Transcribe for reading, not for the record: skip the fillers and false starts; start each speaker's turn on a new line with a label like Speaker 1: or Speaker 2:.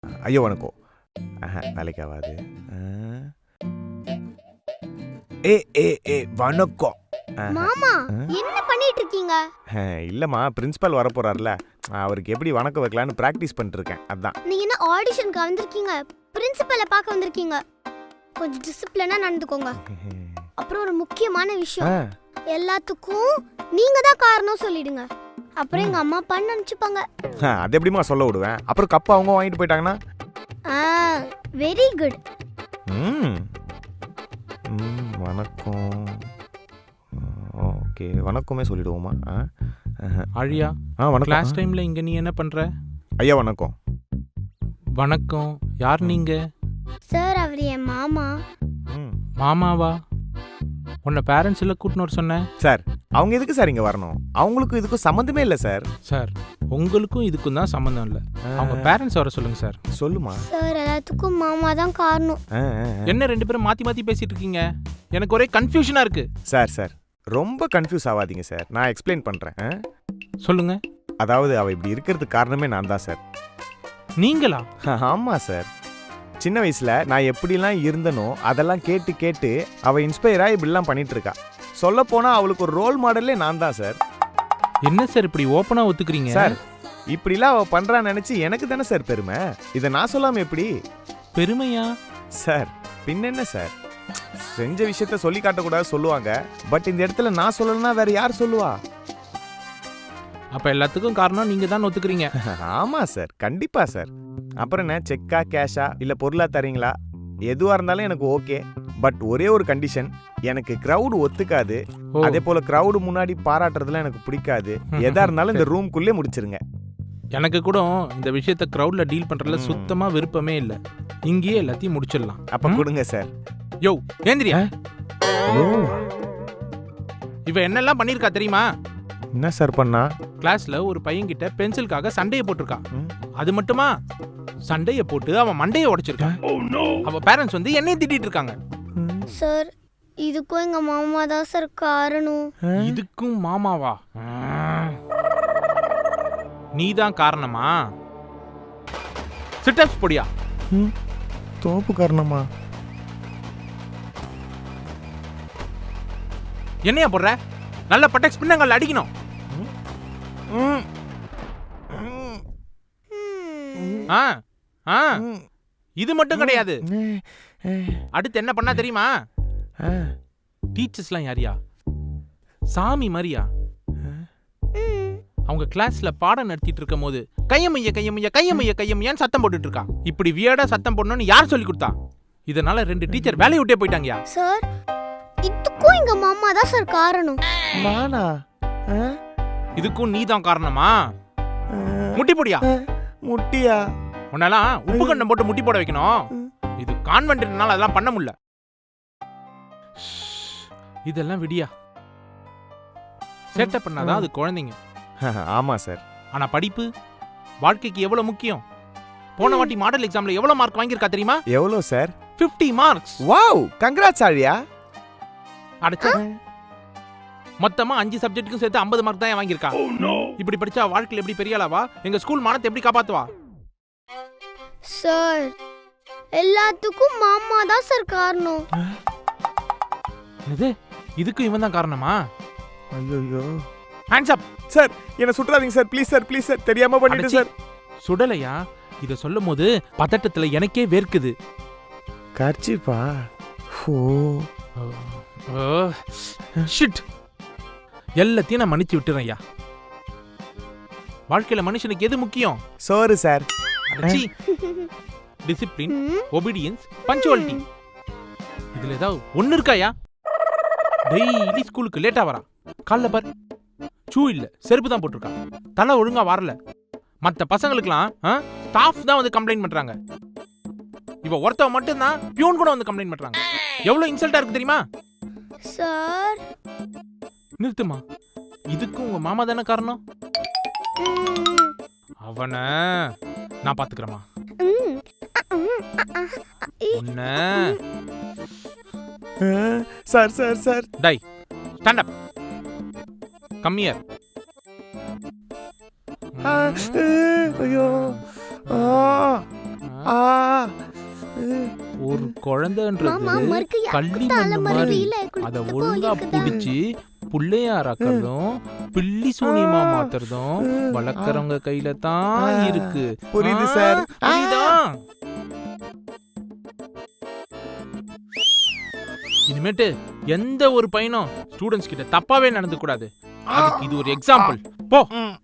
Speaker 1: ஐயோ வணக்கம். வேலைக்கு ஆகாது. ஏ ஏ ஏ வணக்கம்.
Speaker 2: மாமா என்ன பண்ணிட்டு இருக்கீங்க?
Speaker 1: இல்லம்மா, பிரின்சிபல் வர போறாருல, அவருக்கு எப்படி வணக்கம் வைக்கலான்னு பிராக்டிஸ் பண்ணிட்டு இருக்கேன். அதான்.
Speaker 2: நீங்க என்ன ஆடிஷனுக்கு வந்திருக்கீங்க? பிரின்சிபலை பார்க்க வந்திருக்கீங்க. கொஞ்சம் டிசிப்ளினா நடந்துக்கோங்க. அப்புறம் ஒரு முக்கியமான விஷயம், எல்லாத்துக்கும் நீங்க தான் காரணம் சொல்லிடுங்க. அப்புறம் எங்க அம்மா அப்பா நினைச்சுப்பாங்க.
Speaker 1: அது எப்படிமா சொல்ல விடுவேன்? அப்புறம் கப்ப அவங்க வாங்கிட்டு போயிட்டாங்கன்னா?
Speaker 2: Very good.
Speaker 1: வணக்கம். ஓகே, வணக்கமே சொல்லிடுவோமா?
Speaker 3: ஆழியா,
Speaker 1: வணக்கம்.
Speaker 3: கிளாஸ் டைம்ல இங்க நீ என்ன பண்ற?
Speaker 1: ஐயா வணக்கம்.
Speaker 3: வணக்கம். யார் நீங்க?
Speaker 2: சார், அவர் என் மாமா.
Speaker 3: மாமாவா? உன்னை பேரண்ட்ஸ் எல்லாம் கூட்டின்னு வர சொன்னேன்.
Speaker 1: சார், அவங்க எதுக்கு சார் இங்க வரணும்? அவங்களுக்கும் இதுக்கும் சம்மந்தமே இல்லை சார்.
Speaker 3: சார், உங்களுக்கும் இதுக்கும் தான் சம்மந்தம் இல்லை. அவங்க பேரண்ட்ஸ் வர சொல்லுங்க சார்.
Speaker 1: சொல்லுமா.
Speaker 2: சார், எல்லாத்துக்கும் மாமா தான் காரணம்.
Speaker 3: என்ன ரெண்டு பேரும் மாத்தி மாத்தி பேசிட்டு இருக்கீங்க? எனக்கு ஒரே கன்ஃபியூஷனா இருக்கு.
Speaker 1: சார் ரொம்ப கன்ஃபியூஸ் ஆகாதீங்க சார், நான் எக்ஸ்பிளைன் பண்றேன்.
Speaker 3: சொல்லுங்க.
Speaker 1: அதாவது அவ இப்படி இருக்கிறதுக்கு காரணமே நான் தான் சார்.
Speaker 3: நீங்களா?
Speaker 1: ஆமா சார். சின்ன வயசுல நான் எப்படிலாம் இருந்தனோ அதெல்லாம் கேட்டு கேட்டு அவ இன்ஸ்பயர் ஆகி இப்படிலாம் பண்ணிட்டு இருக்கா. சொல்ல போனா அவளுக்கு ஒரு ரோல் மாடலே நான் தான் சார்.
Speaker 3: என்ன சார் இப்படி ஓப்பனா ஒத்துக்கிறீங்க?
Speaker 1: சார், இப்படிலாம் அவ பண்றான்னு நினைச்சு எனக்கு தானே சார் பெருமை. இதை நான் சொல்லாம எப்படி?
Speaker 3: பெருமையா?
Speaker 1: சார் பின்ன என்ன சார், செஞ்ச விஷயத்த சொல்லி காட்டக்கூடாது சொல்லுவாங்க. பட் இந்த இடத்துல நான் சொல்லலன்னா வேற யார் சொல்லுவா?
Speaker 3: அப்ப எல்லாத்துக்கும் காரணம் நீங்க தான் ஒத்துக்கிறீங்க.
Speaker 1: ஆமா சார், கண்டிப்பா சார். அப்புறம் என்ன, செக்கா கேஷா இல்ல பொருளா தரீங்களா? எதுவா இருந்தாலும் எனக்கு ஓகே. பட் ஒரே ஒரு கண்டிஷன், எனக்கு கிரவுட் ஒத்துக்காது. அதே போல கிரவுட் முன்னாடி பாராட்டுறதுலாம் எனக்கு பிடிக்காது. எதா இருந்தாலும் இந்த ரூம்குள்ளே முடிச்சிருங்க.
Speaker 3: எனக்கு கூட இந்த விஷயத்த கிரவுட்ல டீல் பண்றதுல சுத்தமா விருப்பமே இல்ல. இங்கேயே எல்லாத்தையும் முடிச்சிடலாம்.
Speaker 1: அப்ப கொடுங்க சார்.
Speaker 3: யோ ஏந்திரியா. இவ என்னெல்லாம் பண்ணிருக்கா தெரியுமா?
Speaker 1: என்ன சார் பண்ணா?
Speaker 3: கிளாஸ்ல ஒரு பையன்கிட்ட பென்சிலுக்காக சண்டையை போட்டிருக்கா. அது மட்டுமா, சண்டையை போட்டு அவன் மண்டையை உடைச்சிருக்கான். அவ பேரண்ட்ஸ் வந்து என்னைய திட்டிட்டு இருக்காங்க.
Speaker 2: சார், இதுக்கும் எங்க மாமா தான் சார் காரணம்.
Speaker 3: இதுக்கும் மாமாவா? நீதான் காரணமா? சிட்டப்ஸ் பொடியா?
Speaker 1: தோப்பு காரணமா?
Speaker 3: என்னையா போடுற? நல்ல பட்டெக்ஸ் பின்னங்கள் அடிக்கணும். இது மட்டும் கிடையாது. அடுத்து என்ன பண்ணா தெரியுமா? டீச்சர்ஸ்லாம் யாரியா? சாமி மாதிரியா? அவங்க கிளாஸ்ல பாடம் நடத்திட்டு இருக்கும் போது கையமைய கையமைய கையமைய கையமையான்னு சத்தம் போட்டுட்டு இருக்கா. இப்படி வியர்டா சத்தம் போடணும்னு யார் சொல்லி கொடுத்தா? இதனால 2 டீச்சர் வேலையை விட்டே போயிட்டாங்கயா.
Speaker 2: சார், இதுக்கும் எங்க மாமா தான் சார் காரணம்.
Speaker 1: நானா?
Speaker 3: இதுக்கும் நீ தான் காரணமா? முட்டி போடியா?
Speaker 1: முட்டியா?
Speaker 3: உன்னெல்லாம் உப்பு கண்டம் போட்டு முட்டி போட வைக்கணும். இது கான்வென்ட்னால அதெல்லாம் பண்ண முடியல. இதெல்லாம் விடியா. சேட்டை பண்ணாதான் அது குழந்தைங்க.
Speaker 1: ஆமா சார்.
Speaker 3: ஆனா படிப்பு வாழ்க்கைக்கு எவ்வளவு முக்கியம். போன வாட்டி மாடல் எக்ஸாம்ல எவ்வளவு மார்க் வாங்கியிருக்கா தெரியுமா?
Speaker 1: எவ்வளவு சார்?
Speaker 3: 50 மார்க்ஸ்.
Speaker 1: வாவ், கங்க்ராட்ஸ் ஆழியா.
Speaker 3: அடச்சே, மொத்தமா 5 சப்ஜெக்ட்டுக்கும் சேர்த்து 50 மார்க் தான் வாங்கியிருக்கா. இப்படி படிச்சா வாழ்க்கையில எப்படி பெரிய ஆளாவா? எங்க ஸ்கூல் மானத்தை எப்படி காப்பாத்துவா?
Speaker 2: சார், எல்லாத்துக்கும் மாமா தான் சார் காரணம்.
Speaker 3: இதுக்கும் இவன் தான் காரணமா?
Speaker 1: ஐயோ,
Speaker 3: ஹேண்ட்ஸ் அப்.
Speaker 1: சார், என்ன சுற்றாதீங்க sir, please sir, please sir, தெரியாம பண்ணிட்டேன் சார்.
Speaker 3: சுடலையா? இத சொல்லும் போது பதட்டத்துல எனக்கே வேர்க்குது.
Speaker 1: கர்ச்சிப்பா.
Speaker 3: ஷிட். எல்லாத்தையும் நான் மன்னிச்சு விட்டுறேன் ஐயா. வாழ்க்கையில மனுஷனுக்கு எது முக்கியம்?
Speaker 1: சோறு சார்.
Speaker 3: Discipline, obedience, punctuality. இதுல ஏதாவது ஒண்ணு இருக்காயா? டெய்லி ஸ்கூலுக்கு லேட்டா வரா. காலைல பார், ஷூ இல்ல, செருப்பு தான் போட்டிருக்கா. தலை ஒழுங்கா வரல. மத்த பசங்களுக்குலாம் ஸ்டாஃப் தான் வந்து கம்ப்ளைண்ட் பண்றாங்க. இவ ஒருத்தவ மட்டும் தான் பியூன் கூட வந்து கம்ப்ளைண்ட் பண்றாங்க. எவ்வளவு இன்சல்ட்டா இருக்கு தெரியுமா?
Speaker 2: சார்,
Speaker 3: நிறுத்துமா. இதுக்கும் உங்க மாமா தானே காரணம். அவன நான் பாத்துக்கிறேமா.
Speaker 1: Sir sir sir.
Speaker 3: Tie, stand up. Come here.
Speaker 1: ஐயோ. ஆ
Speaker 3: ஒரு
Speaker 2: மாமா
Speaker 3: குழந்தைன்றது
Speaker 2: மறுக்கு
Speaker 3: கள்ளி
Speaker 2: தலை
Speaker 3: மண்ணு
Speaker 2: மறு
Speaker 3: மாதிரி
Speaker 2: வெயில
Speaker 3: அத
Speaker 2: குளிச்சுட்டு
Speaker 3: ஒழுங்கா
Speaker 2: போயிருக்குதா?
Speaker 3: புடிச்சு புள்ளையாராக்கிறதும் பில்லி சூனியமா மாத்துறதும் வளர்க்கறவங்க கையில தான் இருக்கு.
Speaker 1: புரியுது சார்.
Speaker 3: புரியுதா? இனிமேட்டு எந்த ஒரு பையனும் ஸ்டூடெண்ட்ஸ் கிட்ட தப்பாவே நடந்து கூடாது. அதுக்கு இது ஒரு எக்ஸாம்பிள். போ.